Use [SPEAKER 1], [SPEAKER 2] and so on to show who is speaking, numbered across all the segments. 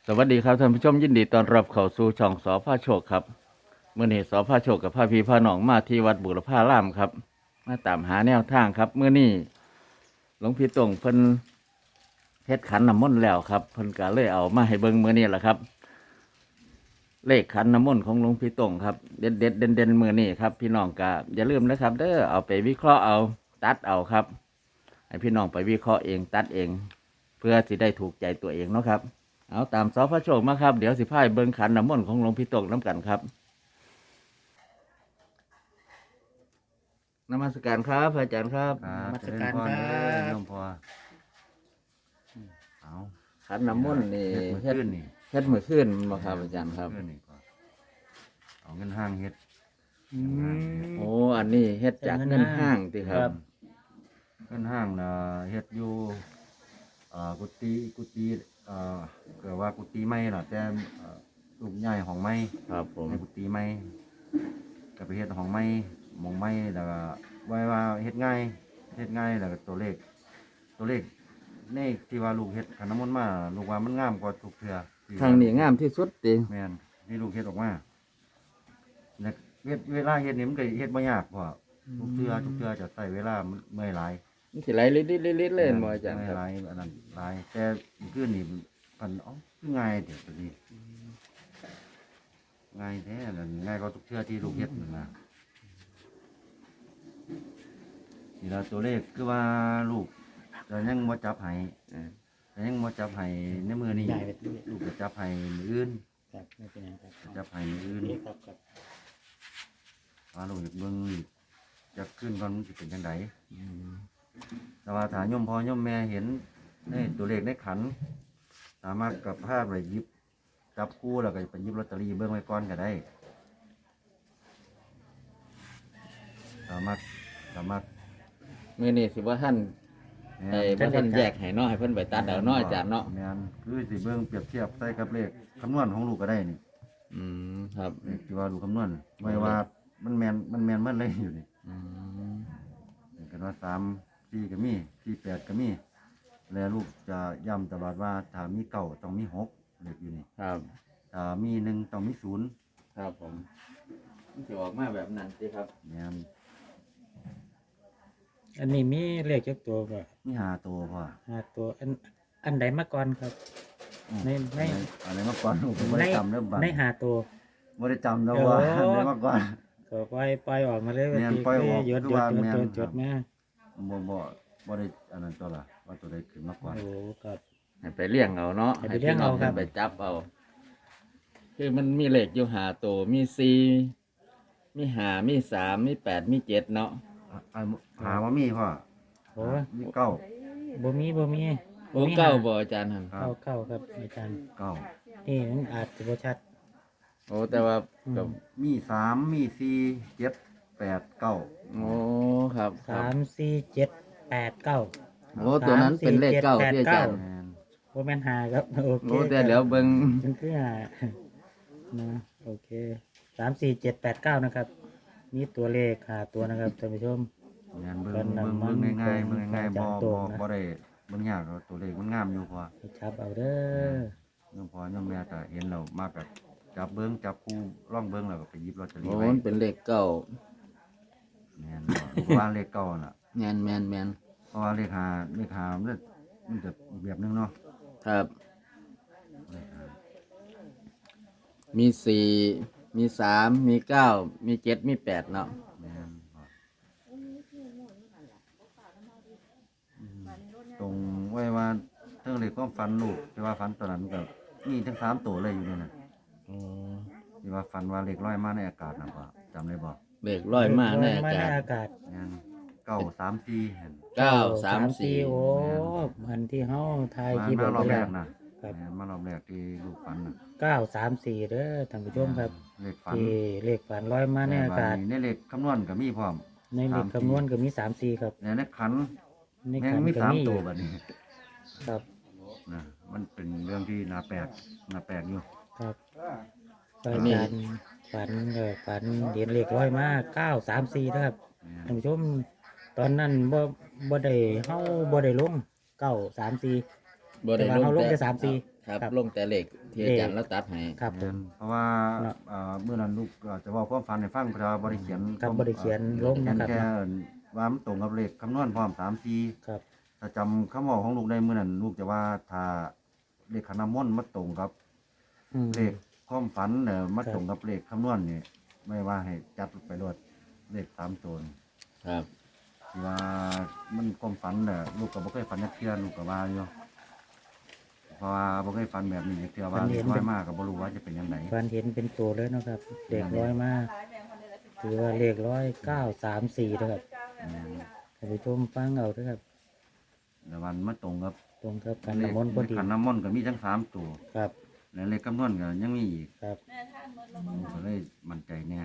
[SPEAKER 1] สวัสดีครับท่านผู้ชมยินดีต้อนรับเข้าสู่ช่องสพโชคครับเมื่อนี้สพโชคกับพาพี่พาน้องมาที่วัดบุรพารามครับมาตามหาแนวทางครับเมื่อนี้หลวงพี่ตงเพิ่นเฮ็ดขันน้ำมนต์แล้วครับเพิ่นก็เลยเอามาให้เบิ่งเมื่อนี้แหละครับ เลขขันน้ำมนต์ของหลวงพี่ตงครับเด็ดเด็ดเด่นมือนี้ครับพี่น้องก็อย่าลืมนะครับเด้อเอาไปวิเคราะห์เอาตัดเอาครับให้พี่น้องไปวิเคราะห์เองตัดเอง เพื่อที่ได้ถูกใจตัวเองเนาะครับเอาตามสพโชคมาครับเดี๋ยวสิพายเบิ่งขันน้ำมนต์ของหลวงพี่ตงน้ำกันครับนมัสการครับพระอาจารย์ครับ
[SPEAKER 2] ครับ
[SPEAKER 3] นมัสการ
[SPEAKER 2] เจญพ
[SPEAKER 3] ครับ
[SPEAKER 2] เด้อน้องพ่อเอา
[SPEAKER 1] ขันน้ำมนต์นี่
[SPEAKER 2] เฮ็ดมื้อคืนนี่
[SPEAKER 1] เฮ็ดมือขึ้นมาครับอาจารย์ครับ
[SPEAKER 2] มื้อคืนนี่ก็เอาเงินห้างเฮ็ด
[SPEAKER 1] โอ้อันนี้เฮ็ดจากเงินห้างติครับ
[SPEAKER 2] เงินห้างน่ะเฮ็ดอยู่กุฏิเกิดว่ากุฏิใหม่ล่ะแต่ลูกใหญ่ของใหม่
[SPEAKER 1] ครับผม
[SPEAKER 2] ในกุฏิใหม่ก็ไปเฮ็ดของใหม่หม้องใหม่แล้วก็ไว้ว่าเฮ็ดง่ายแล้วก็ตัวเลขในที่ว่าลูกเฮ็ดขันน้ำมนต์มาลูกว่ามันงามกว่าทุกเทื่อที่ว่
[SPEAKER 1] ทางนี้งามที่สุดติ
[SPEAKER 2] แม่นที่ลูกเฮ็ดออกมาแล้วเวลาเฮ็ดนี่มันก็เฮ็ดบ่ยากเพราะว่าทุกเทื่อจะใช้เวลาเมื่อยหลาย
[SPEAKER 1] มันสิไหลลิดๆๆเล่นบ่อาจารย์
[SPEAKER 2] เมื่
[SPEAKER 1] ค
[SPEAKER 2] อย
[SPEAKER 1] รับ
[SPEAKER 2] หลายอันนั้นหลายแต่คืนนี่มันคือง่ายเด้อตัวนี้ง่ายแท้นั่นง่ายกว่าทุกเทื่อที่ลูกเฮ็ดนั่นนะนี่ล่ะตัวเลขคือว่าลูกจะยังบ่จับให้แต่ยังบ่จับให้ในมือนี้
[SPEAKER 3] ใหญ่ไปด้วย
[SPEAKER 2] ลูกจะจับให้มื้ออื่น
[SPEAKER 3] ครับไม่เป็นไรครับ
[SPEAKER 2] จับให้มื้ออื่น
[SPEAKER 3] นี่ครับครับ
[SPEAKER 2] ว่าลูกอยากเบิ่งจะขึ้นก่อนมันสิเป็นจังไดแต่ว่าถ้าโยมพ่อโยมแม่เห็นในตัวเลขในขัน สามารถกับภาพไปหยิบจับคู่แล้วก็ไปหยิบลอตเตอรี่เบิ่งไว้ก่อนก็ได้ สามารถ
[SPEAKER 1] มื้อนี้สิบ่ท่านบ่ท่านแยกให้เนาะให้เพิ่นไปตัดเอาเนาะอาจารย์เนาะ
[SPEAKER 2] แม่นคือสิเบิ่งเปรียบเทียบใส่กับเลขคำนวณของลูกก็ได้นี่
[SPEAKER 1] ครับ
[SPEAKER 2] เลขที่ว่าลูกคำนวณไม่ว่ามันแม่นมันเลยอยู่นี่
[SPEAKER 1] อืม
[SPEAKER 2] กันว่า3 4ก็มี4 8ก็มีแล้วลูกจะย้ำตลอดว่าถ้ามีเก้าต้องมี6เลขอยู่นี่
[SPEAKER 1] ครับ
[SPEAKER 2] ถ้ามี1ต้องมี0
[SPEAKER 1] ครับผมมันสิออกมาแบบนั้นติครับ
[SPEAKER 2] แม่น
[SPEAKER 3] อันนี้มีเลขจักตัวบ่
[SPEAKER 2] มี5ตัวพ่อ
[SPEAKER 3] ตัวอันใดมาก่อนครับ ใน
[SPEAKER 2] อะไรมาก่อนลูกผมบ่ได้จำเริ่มบัด
[SPEAKER 3] ในตัว
[SPEAKER 2] บ่ได้จำแล้วว่าอะไรมาก่อน
[SPEAKER 3] ก็ปล่อยออกมาเลย
[SPEAKER 2] แม่นปล่อยออก
[SPEAKER 3] ยด
[SPEAKER 2] คือว่าแม่น
[SPEAKER 3] จดมา
[SPEAKER 2] บ่ได้อันนั้นตัวละว่าตัวใดขึ้นมาก่อน
[SPEAKER 3] โอ้ครับ
[SPEAKER 1] ให้ไปเลี้ยงเอาเนาะ
[SPEAKER 3] ให้ไปเลี้ยงเอาครับ
[SPEAKER 1] ให้ไปจับเอา คือมันมีเลขอยู่5ตัวมี4มี5มี3มี8มี7เนาะ
[SPEAKER 2] หาว่ามีพ่อ
[SPEAKER 3] โอ้
[SPEAKER 2] มีเก้า
[SPEAKER 3] บ่มี
[SPEAKER 1] โอ้เก้าบ่อาจารย์หั่น
[SPEAKER 2] ครับ
[SPEAKER 3] เข้าครับอาจารย์
[SPEAKER 2] เก้า
[SPEAKER 3] นี่มันอาจจะบ่ชัด
[SPEAKER 1] โอ้แต่ว่า
[SPEAKER 3] อืม
[SPEAKER 1] ก็
[SPEAKER 2] มี3มี4 7 8 9
[SPEAKER 1] โอ้ครับครับ
[SPEAKER 3] 3 4 7 8 9
[SPEAKER 1] โอ้ตัวนั้นเป็นเลขเก้าที่อาจารย์
[SPEAKER 2] แม่น
[SPEAKER 3] บ่แม่นหาครับโอเค
[SPEAKER 1] โอ้แต่เดี๋ยวเบิ่ง
[SPEAKER 3] มันคือหานะโอเค3 4 7 8 9นะครับนี่ตัวเลขหาตัวนะครับท่านผู้ชม
[SPEAKER 2] แม่นเบิ่
[SPEAKER 3] เพิ่
[SPEAKER 2] ง
[SPEAKER 3] นน่ะ
[SPEAKER 2] เบิ่ง
[SPEAKER 3] มัน
[SPEAKER 2] ง่ายๆเบิ่งง่ายๆ
[SPEAKER 3] จั
[SPEAKER 2] บ่
[SPEAKER 3] ดตรงนะ
[SPEAKER 2] ได้เบิ่งยากหรอกตัวเลขมันงามอยู่พ่อ
[SPEAKER 3] ให้ชับเอาเด้อ
[SPEAKER 2] โยมพ่อโยมแม่ก็เห็นแล้วมาก็จับเบิ่งจับคู่ร่องเบิ่งแล้วก็ไปหยิบลอตเตอรี่
[SPEAKER 1] โอ้
[SPEAKER 2] ไว้
[SPEAKER 1] มันเป็นเลขเก้า
[SPEAKER 2] แม่นบ่ลูกว่าเลขเก้าน่ะ
[SPEAKER 1] แม่นแม่นแม่น
[SPEAKER 2] เพราะว่าเลขหามันจะอีกแบบนึงเนาะ
[SPEAKER 1] ครับ
[SPEAKER 2] เลขหา
[SPEAKER 1] มี4มี3มี9มี7มี8เนาะ
[SPEAKER 2] แม่นบ่ตรงไว้ว่าเรื่องเลขความฝันลูกที่ว่าฝันตอนนั้นก็มีทั้ง3ตัวเลยอยู่นี่น่ะ
[SPEAKER 1] โอ้
[SPEAKER 2] ที่ว่าฝันว่าเลขลอยมาในอากาศน่ะบ่จำได้บ่
[SPEAKER 1] เลขร้อยมาแน่
[SPEAKER 3] มา
[SPEAKER 1] อา
[SPEAKER 3] ใน
[SPEAKER 1] จารย์
[SPEAKER 3] อากาศ
[SPEAKER 2] แม่น934เห็น
[SPEAKER 1] 934
[SPEAKER 3] โอ้มันที่เฮาทาย
[SPEAKER 2] มา
[SPEAKER 3] ที่
[SPEAKER 2] มารอบแรก
[SPEAKER 3] นะ
[SPEAKER 2] นะครับ แม่นมารอบแรกที่ลูกฝันน่ะ
[SPEAKER 3] 934เด้อท่านผู้ชมครับ
[SPEAKER 2] เลขฝัน
[SPEAKER 3] ที่เลขฝันลอยมาในอากาศ
[SPEAKER 2] ในเลขคำนวณก็มีพร้อม
[SPEAKER 3] ในเลขคำนวณก็มี34ครับ
[SPEAKER 2] ในขัน
[SPEAKER 3] ใน
[SPEAKER 2] แม่
[SPEAKER 3] ขั
[SPEAKER 2] ง
[SPEAKER 3] น
[SPEAKER 2] มี
[SPEAKER 3] ก็
[SPEAKER 2] 3
[SPEAKER 3] มี
[SPEAKER 2] ตัวบัดนี้
[SPEAKER 3] ครับ
[SPEAKER 2] นะมันเป็นเรื่องที่น่าแปลกอยู่
[SPEAKER 3] ครับอาจารย์ฝันเหรียญเลขร้อยมา934นะครับ
[SPEAKER 2] แม่
[SPEAKER 3] ท่านผู้ชมตอนนั้นบ่ได้เฮาบ่ได้ลง934
[SPEAKER 1] บ่
[SPEAKER 3] แต่
[SPEAKER 1] ได้
[SPEAKER 3] ว่า
[SPEAKER 1] ลง
[SPEAKER 3] เฮาลง
[SPEAKER 1] แต่
[SPEAKER 3] แต่34
[SPEAKER 1] ครับ
[SPEAKER 3] ครับ
[SPEAKER 1] ลงแต่เลขที่อาจารย์แล้วตัดให้
[SPEAKER 3] ครับผม
[SPEAKER 2] เพราะว่า
[SPEAKER 3] เนาะ
[SPEAKER 2] เมื่อนั้นลูกจะบอกความฝันให้ฟังเพราะว่าบ่ได้เขียน
[SPEAKER 3] ครับบ่ได้เขียนลง
[SPEAKER 2] เขียน
[SPEAKER 3] นะครับ
[SPEAKER 2] แค่ว่ามันตรงกับเลขคำนวณพร้อม3-4
[SPEAKER 3] ครับ
[SPEAKER 2] ถ้าจำคำบอกของลูกได้เมื่อนั้นลูกจะว่าถ้าเลขขันน้ำมนต์มาตรงกับ
[SPEAKER 3] อืม
[SPEAKER 2] เลขความฝันเนี่ยมา
[SPEAKER 3] ครับ
[SPEAKER 2] ตรงกับเลขคำนวณนี่ไม่ว่าให้จัดไปรวดเลข3ตัวนี่
[SPEAKER 1] ครับ
[SPEAKER 2] ที่ว่ามันความฝันเนี่ยลูกก็บ่เคยฝันจักเทื่อลูกก็ว่าอยู่เพราะว่าบ่เคยฝันแบบนี้จักเทื่อว่าเลขน้อยมากก็บ่รู้ว่าจะเป็นยังไง
[SPEAKER 3] ฟันเห็นเป็นตัวเลยเนาะครับเด็กร้อยมากถือว่าเลข934นะครับท่านผู้ชมฟังเอาเด้อครับ
[SPEAKER 2] แต่วันมาตรงกับ
[SPEAKER 3] ตรงกับการน้ำมนต์พอดี
[SPEAKER 2] ขันน้ำมนต์ก็มีทั้ง3ตัว
[SPEAKER 3] ครับ
[SPEAKER 2] และเลขคำนวณก็ยังมีอีก
[SPEAKER 3] ครับ
[SPEAKER 2] ลูกก็เลยมั่นใจแน่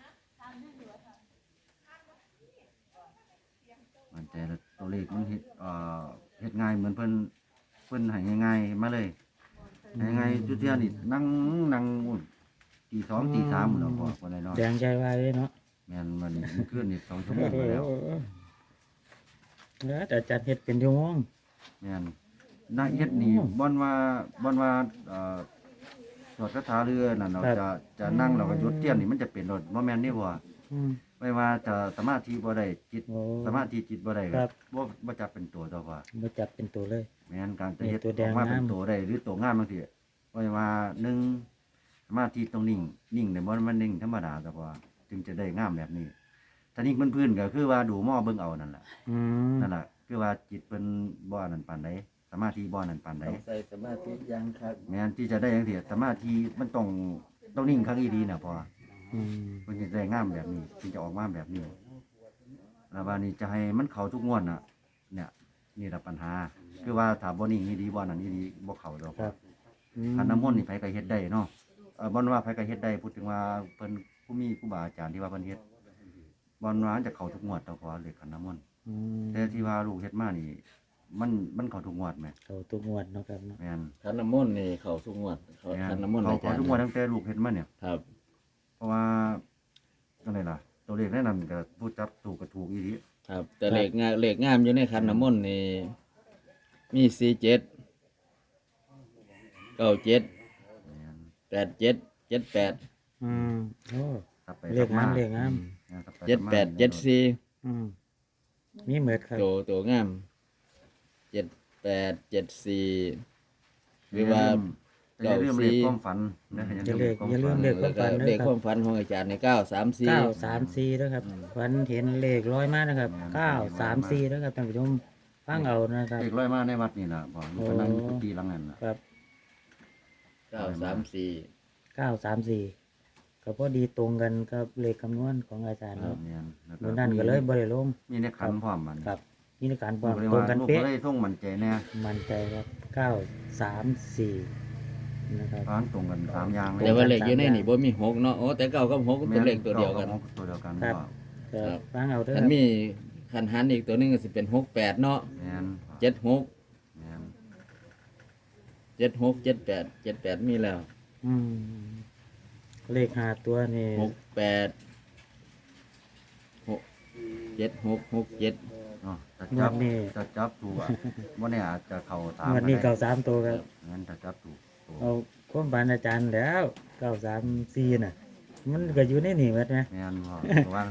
[SPEAKER 2] มั่นใจแล้วตัวเลขมันเฮ็ดง่ายเหมือนเพิ่นให้ง่ายๆมาเลยให้ง่ายจุดเที่ยนี่นั่งอุ่นตีสองตีสามแล้วพอคนน้อย
[SPEAKER 3] แดงใจไว้เลยเนาะ
[SPEAKER 2] ๆแม่นมันนี่ขึ้นนี่2 ชั่วโมงไปแล้ว
[SPEAKER 3] แล้วแต่จัดเฮ็ดเป็นชั่วโมง
[SPEAKER 2] แม่นน่าเฮ็ดนี่บ่อนว่าสวดคาถาเรือนั่นเราจะนั่งเราก็หยุดเทียนนี่มันจะเป็นรถบ่แม่นนี่บ่
[SPEAKER 3] อืม
[SPEAKER 2] ไม่ว่าจะสมาธิบ่ได้จิต
[SPEAKER 3] โอ้
[SPEAKER 2] สมาธิจิตบ่ได้
[SPEAKER 3] ครับ
[SPEAKER 2] บ่จับเป็นตัวตัวว่า
[SPEAKER 3] มาจับเป็นตัวเลย
[SPEAKER 2] แม่นการจะเฮ็ด
[SPEAKER 3] ตัวแด
[SPEAKER 2] อง อกมาเป็น
[SPEAKER 3] งาม
[SPEAKER 2] ตัวได้หรือตัวงามบางทีไม่ว่าหนึ่งสมาธิต้องนิ่งแต่บ่มันนิ่งธรรมดาแต่ว่าจึงจะได้งามแบบนี้ถ้านิ่งพื้นๆก็คือว่าดูหม้อเบิ่งเอานั่นแหละ
[SPEAKER 3] อืม
[SPEAKER 2] นั่นแหละคือว่าจิตเพิ่นบ่อันนั้นปานใดสมาธิบ่อันนั้นปานใด
[SPEAKER 1] ใส่สมาธิยังครับ
[SPEAKER 2] แม่นที่จะได้จังซี่สมาธิมันต้องนิ่งครั้งอีดีน่ะพอ
[SPEAKER 3] อืม
[SPEAKER 2] มันจะได้งามแบบนี้จึงจะออกมาแบบนี้แล้วบานี้จะให้มันเข้าทุกงวดน่ะ เนี่ยนี่แหละปัญหา คือว่าถ้าบ่นิ่งนี่ดีบ่นั่นนี่ดีบ่เข้าดอก
[SPEAKER 3] ครับอืม
[SPEAKER 2] ขันน้ำมนต์นี่ไผก็เฮ็ดได้เนาะบ่นว่าไผก็เฮ็ดได้พูดถึงว่าเพิ่นผู้มีครูบาอาจารย์ที่ว่าเพิ่นเฮ็ดบ่นว่าจะเข้าทุกงวดต่อพอเลขขันน้ำมนต์
[SPEAKER 3] อืม
[SPEAKER 2] แต่ที่ว่าลูกเฮ็ดมานี่ มันเข้าทุกงวดแหม
[SPEAKER 3] เขาตัวงวดเนาะครับเนาะ
[SPEAKER 2] แม่น
[SPEAKER 1] ขันน้ำมนต์นี่เขาสุงวดเขา
[SPEAKER 2] แม่
[SPEAKER 1] ขัน
[SPEAKER 2] น
[SPEAKER 1] น้ำมนต์
[SPEAKER 2] เขา
[SPEAKER 1] อาจารย์
[SPEAKER 2] ทุกงวดตั้งแต่ลูกเฮ็ดมาเนี่ย
[SPEAKER 1] ครับ
[SPEAKER 2] เพราะว่าจังไดล่ะ ตัวเลขแนะนำก็ผู้จับถูกก็ถูกอีหลี
[SPEAKER 1] ครับแต่เลขงามอยู่ในขันน้ำมนต์นี่มี47 97
[SPEAKER 2] แม่น
[SPEAKER 1] 87 78
[SPEAKER 3] อืมโอ้
[SPEAKER 2] กลับไป
[SPEAKER 3] เลขงามเลขงาม
[SPEAKER 2] แม่นกลับไป
[SPEAKER 1] 78 74
[SPEAKER 3] อืมมีเหมือดครับ
[SPEAKER 1] ตัวงาม78 74หรือว่า
[SPEAKER 2] อย่าลืมเลขความฝันนะ
[SPEAKER 3] อย่าลืมเลข
[SPEAKER 1] แล้วก็เลขความฝันของอาจารย์ใน934
[SPEAKER 3] 934นะครับฝันเห็นเลขร้อยมากนะครับ934นะครับท่านผู้ชมฟังเอานะครับ
[SPEAKER 2] เลขร้อยมาในวัดนี่ล่ะบ่ลูกก็นั่งอยู่กุฏิหลังนั้นน่ะ
[SPEAKER 3] ครับ
[SPEAKER 1] 934
[SPEAKER 3] 934ก็พอดีตรงกันกับเลขคำนวณของอาจารย์ครับ
[SPEAKER 2] แม่นแล้ว
[SPEAKER 3] เมื่อนั้นก็เลยบ่ได้ลง
[SPEAKER 2] มีในขันพร้อมมัน
[SPEAKER 3] ครับนี่ในการบ
[SPEAKER 2] ลู
[SPEAKER 3] อก
[SPEAKER 2] กเลย
[SPEAKER 3] ตรง
[SPEAKER 2] ว่า
[SPEAKER 3] กัน
[SPEAKER 2] ลูก
[SPEAKER 3] เป๊ะ
[SPEAKER 2] ก็เลยท่องมั่นใจแน่
[SPEAKER 3] มั่นใจครับ934นะครับ
[SPEAKER 2] ร้านตรงกัน3อย่างเลย
[SPEAKER 1] แต่ว่าเลขอยู่ในนี่บ่มี6เนาะโอ้แต่9กับ6เป็นเลขตัวเดียวกัน
[SPEAKER 2] แม่ตัวเดียวกัน
[SPEAKER 3] ครับ
[SPEAKER 2] พ่อ
[SPEAKER 3] ก็ฟังเอาเด้อ
[SPEAKER 1] คันมีคันหันอีกตัวหนึงก็สิเป็น68เนาะ
[SPEAKER 2] แม่น
[SPEAKER 1] 76
[SPEAKER 2] แม่น
[SPEAKER 1] 76 78 78มีแล้ว
[SPEAKER 3] อืมเลขหาตัวนี่
[SPEAKER 1] 68 76 67
[SPEAKER 2] เนาะถ้าง
[SPEAKER 3] ว
[SPEAKER 2] จั
[SPEAKER 3] ด
[SPEAKER 2] บ
[SPEAKER 3] นี้
[SPEAKER 2] ถ้าจับถูกอ่ะบ่แน่อาจจะเข้าตาม
[SPEAKER 3] งวดนี้
[SPEAKER 2] ก็ได้
[SPEAKER 3] 93ตัวครับ
[SPEAKER 2] งั้นถ้าจับถูกตัว
[SPEAKER 3] เอาความฝันอาจารย์แล้ว934น่ะ มันก็อยู่ในนี่หมดไหม
[SPEAKER 2] แม่นพ่อเพราะว่า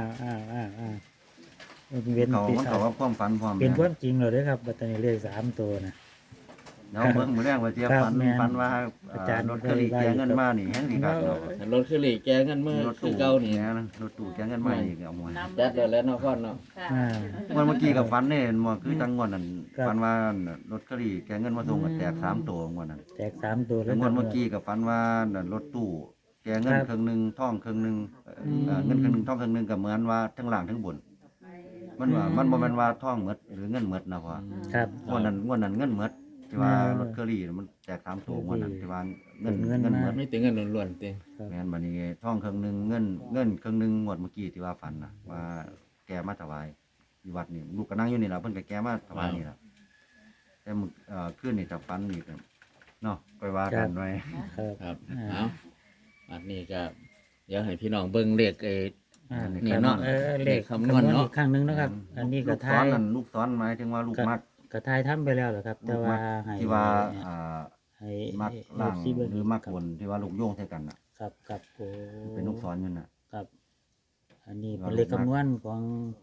[SPEAKER 3] เว้น
[SPEAKER 2] เขา
[SPEAKER 3] ปี
[SPEAKER 2] มันเขาว่าความฝันพร้อม
[SPEAKER 3] เป็นค
[SPEAKER 2] แม่
[SPEAKER 3] วามจริงเลยเด้อครับบัดนี้เลข3ตัวนะ
[SPEAKER 2] เนาะเบิ่งมื้อแรกว่าเจีย
[SPEAKER 3] ครับ
[SPEAKER 2] ฝัน
[SPEAKER 3] แม่น
[SPEAKER 2] ฝันว่า
[SPEAKER 3] อาจารย์
[SPEAKER 2] รถเครื่องแกเงินมานี่แฮงสิครับเนาะ
[SPEAKER 1] คันรถคือหลีแกเงินเมื่อ
[SPEAKER 2] รถ
[SPEAKER 1] คือ
[SPEAKER 2] ตู้
[SPEAKER 1] เก่านี่
[SPEAKER 2] แม่นรถตู้แกเงินมานี่ก็เอาหมด
[SPEAKER 1] จัดแล้วเนาะพ่อเนาะ
[SPEAKER 3] อ่า
[SPEAKER 2] เมื่อกี้กับฟันเนี่ยมันคือจังงวดนั้น
[SPEAKER 3] ครับ
[SPEAKER 2] ฟันว่ารถกระดี่แกเงินมาส่งก็แตก3ตัวงวดนั้น
[SPEAKER 3] แจก3ตัว
[SPEAKER 2] แล้วงวดเมื่อกี้กับฟันว่านั่นรถตู้แกเงินครึ่งหนึงท่องครึ่งหนึงเงินครึ่งหนึงท่องครึ่งหนึงก็เหมือนว่าทั้งล่างทั้งบน มันว่ามันบ่แม่นว่าท่องหมดหรือเงินหมดนะพ่อ
[SPEAKER 3] ครับ
[SPEAKER 2] งวดนั้นเงินหมดที่ว่ารถกระดี่มันแตก3ตัวงวดนั้นที่ว่าเงินหมด
[SPEAKER 1] ไม่ถึงเงินล้วนๆติ
[SPEAKER 2] แม่นบัดนี้ท่องครึ่งหนึงเงินครึ่งหนึงงวดเมื่อกี้ที่ว่าฝันน่ะว่าแกมาถวายอยู่วัดนี่ลูกก็นั่งอยู่นี่ล่ะเพิ่นก็แกมาถวายนี่ล่ะ แต่มึงขึ้นนี่จากฟันนี่กันเนาะไปว่ากันไว้
[SPEAKER 3] ครับ
[SPEAKER 1] ครับ
[SPEAKER 3] อ่า
[SPEAKER 1] เอาบัดนี้ก็เดี๋ยวให้พี่น้องเบิ่งเลข
[SPEAKER 3] อ่า
[SPEAKER 1] นี่เนาะ
[SPEAKER 3] เลข
[SPEAKER 1] คำนวณเนาะ
[SPEAKER 3] อีกครั้งหนึงนะครับ อันนี้
[SPEAKER 2] ลู
[SPEAKER 3] ก็
[SPEAKER 2] ก
[SPEAKER 3] ทา
[SPEAKER 2] ซ้อน
[SPEAKER 3] ย
[SPEAKER 2] นั่นลูกซ้อนหมายถึงว่าลูกมัก
[SPEAKER 3] ก็ทายทำไปแล้วเหรอครับ แต่
[SPEAKER 2] ลูก
[SPEAKER 3] ว่า
[SPEAKER 2] มัก
[SPEAKER 3] ให้
[SPEAKER 2] ที่ว่า
[SPEAKER 3] ให้ให้
[SPEAKER 2] มัก
[SPEAKER 3] ให้
[SPEAKER 2] ล่าง
[SPEAKER 3] ที่เบิ่ง
[SPEAKER 2] หรือมักบนที่ว่าลูกโยงใส่กันน่ะ
[SPEAKER 3] ครับครับโอ้
[SPEAKER 2] เป็นลูกศรอยู่น่ะ
[SPEAKER 3] ครับ อันนี้
[SPEAKER 2] ว่า
[SPEAKER 3] เป็นเลข
[SPEAKER 2] ลูกนัก
[SPEAKER 3] คำนวณของ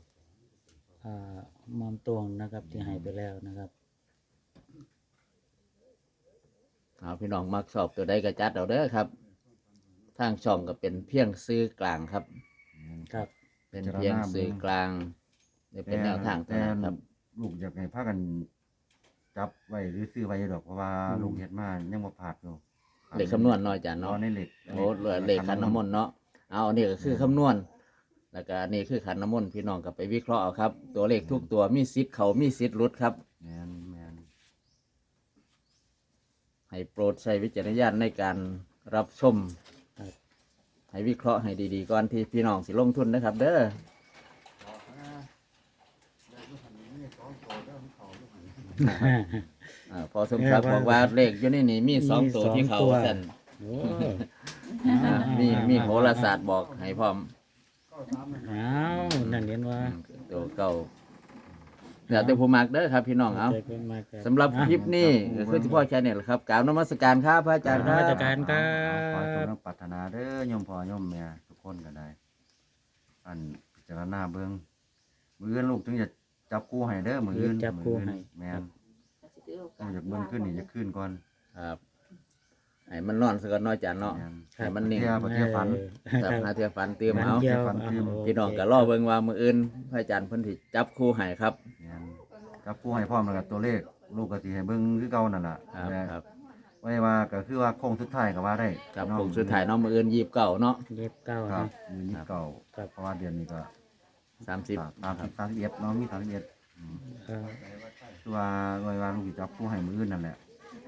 [SPEAKER 3] มอมตวงนะครับ ที่ให้ไปแล้วนะครับ
[SPEAKER 1] เอาพี่น้องมักชอบตัวใดก็จัดเอาเด้อครับทางช่องก็เป็นเพียงซื้อกลางครับ
[SPEAKER 3] ครับ
[SPEAKER 1] เป็นเพียงซื้อกลางนี่เป็นแนวทางเท่านั้นครับ
[SPEAKER 2] ลูกอยากให้พากันจับไว้หรือซื้อไว้ดอกเพราะว่า
[SPEAKER 3] อืม
[SPEAKER 2] ลูกเฮ็ดมายังบ่พลาดอยู่
[SPEAKER 1] เลขคำนวณน้อยจาน
[SPEAKER 2] รอ
[SPEAKER 1] เนาะ
[SPEAKER 2] ในเหล็ก
[SPEAKER 1] โอ้เหลือเลขขันน้ำมนต์เนาะเอาอันนี้ก็คือคำนวณ แล้วก็อันนี่คือขันน้ำมนต์พี่น้องก็ไปวิเคราะห์เอาครับ ตัวเลขทุกตัวมีสิทธิ์เขามีสิทธิ์หลุดครับ
[SPEAKER 2] แม่นแม่น
[SPEAKER 1] ให้โปรดใช้วิจารณญาณในการรับชม
[SPEAKER 3] ครับ
[SPEAKER 1] ให้วิเคราะห์ให้ดีๆก่อนที่พี่น้องสิลงทุนนะครับ เด้อพอสมศักดิ์บอกว่าเลขอยู่ในนี่มีสองตัวที่เขาสั่น
[SPEAKER 3] โอ้
[SPEAKER 1] มีโหราศาสตร์บอกให้พร้อม
[SPEAKER 3] อ้าวนั่นเห็นว่า
[SPEAKER 1] ตัวเก่าเดี๋ยวแต่ผู้มักเด้อครับพี่น้องเอา
[SPEAKER 3] ใจเพิ่นมาครับ
[SPEAKER 1] สำหรับคลิปนี้ก็คือที่พ่อแชร์เนี่ยแหละครับกราบนมัสการครับพระอาจารย์ค
[SPEAKER 3] น
[SPEAKER 1] รั
[SPEAKER 3] มัส
[SPEAKER 1] บ
[SPEAKER 3] การครั
[SPEAKER 2] ขอให้ทุก
[SPEAKER 3] บ
[SPEAKER 2] ท่านปรารถนาเด้อโยมพ่อโยมแม่ทุกคนก็ได้ อันพิจารณาเบิ่งมื้ออื่นลูกถึงจะจับคู่ให้เด้อมื้ออื่น
[SPEAKER 3] จับคู่ให้
[SPEAKER 2] แม่นต้องอยากเบิ่งขึ้นนี่จะขึ้นก่อน
[SPEAKER 1] ครับให้มันนอนสักน้อยจานเนาะ
[SPEAKER 2] แม่น
[SPEAKER 1] ให้มันนิ่ง
[SPEAKER 2] เที่ยวบ่เที่ยวฝัน
[SPEAKER 1] ครับหาเทียฟันเตรียม
[SPEAKER 3] มัน
[SPEAKER 1] เอา
[SPEAKER 3] เดียว
[SPEAKER 2] ฟันเตรียม
[SPEAKER 1] พี่น้องก็รอเบิ่งว่ามื้ออื่นพระอาจารย์เพิ่นสิจับคู่ให้ครับ
[SPEAKER 2] แม่นจับคู่ให้พร้อมแล้วก็ตัวเลข ลูกก็สิให้เบิ่งคือเก่านั่นล่ะ
[SPEAKER 1] ครับ
[SPEAKER 2] แต่
[SPEAKER 1] ครับ
[SPEAKER 2] ไว้ว่าก็คือว่าโค้งสุดท้ายก็ว่าได้
[SPEAKER 1] ครับ
[SPEAKER 2] เนาะ
[SPEAKER 1] ผมสุดท้ายเนาะมื้ออื่น29เนาะ
[SPEAKER 3] เล็บเก้า
[SPEAKER 2] ครั
[SPEAKER 3] นะ
[SPEAKER 2] บมื้อนี้เก่า
[SPEAKER 3] ครับ
[SPEAKER 2] เพราะว่าเดือนนี้ก็
[SPEAKER 1] 30
[SPEAKER 2] 31เนาะมี31
[SPEAKER 3] ครับ
[SPEAKER 2] คือว่าไว้ว่าลูกสิจับคู่ให้มื้ออื่นนั่นแหละ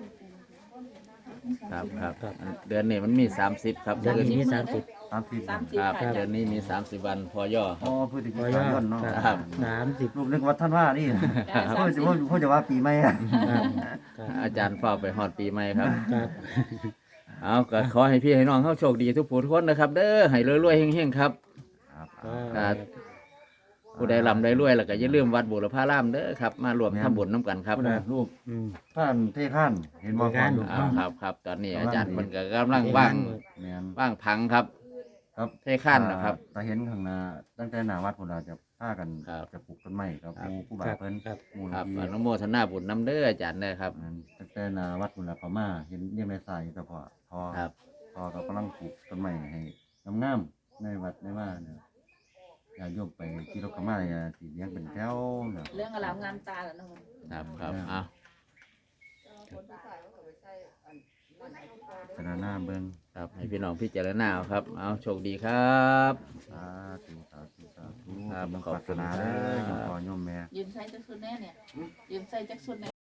[SPEAKER 1] ครับครับ
[SPEAKER 3] ครับ
[SPEAKER 1] เดือนนี้มันมี30ครับ
[SPEAKER 3] เดือน
[SPEAKER 1] มื้อ
[SPEAKER 3] นี้
[SPEAKER 1] อื่น
[SPEAKER 3] มี30
[SPEAKER 2] 30
[SPEAKER 1] ครับ
[SPEAKER 3] ครับ
[SPEAKER 1] เดือนนี้มี30วันพอย่อค
[SPEAKER 2] อ๋
[SPEAKER 1] รั
[SPEAKER 2] อบ พฤศจิ
[SPEAKER 3] พอย่
[SPEAKER 2] กา
[SPEAKER 3] อย
[SPEAKER 2] นเนาะ
[SPEAKER 1] ครับ
[SPEAKER 3] 30
[SPEAKER 2] ลูกนึกว่าท่านว่านี่พ่อจะว่าปีใหม่อะ
[SPEAKER 3] ครับครับ
[SPEAKER 1] อาจารย์เฝ้าไปฮอดปีใหม่ครับ
[SPEAKER 3] ครับ
[SPEAKER 1] เอาก็ขอให้พี่ให้น้องเฮาโชคดีทุกผู้ทุกคนนะครับ เด้อให้รวยๆเฮงๆครับ
[SPEAKER 2] ครับ
[SPEAKER 1] ครับ ผู้ใดร่ำได้รวยแล้วก็อย่าลืมวัดบุรพารามเด้อครับมารวมทำบุญน้ำกันครับ
[SPEAKER 2] คุณน่ะลูก
[SPEAKER 3] อืม
[SPEAKER 2] ท่านเท่ท่านเห็นบ่
[SPEAKER 3] เท่ท่าน
[SPEAKER 2] ลูก
[SPEAKER 1] ครับครับตอนนี้อาจารย์เพิ่นก็กำลังว่าง
[SPEAKER 2] แม่น
[SPEAKER 1] ว่างพังครับ
[SPEAKER 2] ครับ
[SPEAKER 1] เท่ขั้นนะครับ
[SPEAKER 2] ตาเห็นข้างหน้าตั้งแต่หน้าวัดพุ่นน่ะจะพากัน
[SPEAKER 1] ครับ
[SPEAKER 2] จะปลูกต้นไม้ครับ
[SPEAKER 1] ครับ
[SPEAKER 2] ผู้บา
[SPEAKER 3] ครับ
[SPEAKER 2] เพิ่น
[SPEAKER 3] ครับ
[SPEAKER 2] มูล
[SPEAKER 1] ครับ
[SPEAKER 2] นิ
[SPEAKER 1] อ
[SPEAKER 2] ธิ
[SPEAKER 1] นุโมทนาบุญน้ำเด้ออาจารย์เด้อครับ
[SPEAKER 2] ตั้งแต่หน้าวัดพุ่นน่ะเขามาเห็นเรียงในสายแต่พอ
[SPEAKER 1] ครับ
[SPEAKER 2] พอก็กำลังปลูกต้นไม้ให้งามๆในวัดในว่าเนี่ยอย่าโยมไปที่รถเขามาเนี่ยสิเลี้ยงเป็นแถวเนี่ย
[SPEAKER 4] เรื่องอารามงามตาแล้วเนาะ
[SPEAKER 1] ครับครับเอา
[SPEAKER 2] พิจารณาเบิ่ง
[SPEAKER 1] ครับให้พี่น้องพิจารณาเอาครับเอาโชคดีครับ
[SPEAKER 2] สาธุสาธุสาธุ
[SPEAKER 1] ครับ
[SPEAKER 2] กำลัง
[SPEAKER 1] ขอบ
[SPEAKER 2] ปราร
[SPEAKER 1] คุ
[SPEAKER 2] ถ
[SPEAKER 1] ณ
[SPEAKER 2] นา
[SPEAKER 1] ครับ
[SPEAKER 2] เด้อโยมพ่อโยมแม่
[SPEAKER 4] ยืมใส่จักสุดแน่เนี่ยยืมใส่จักสุดแน่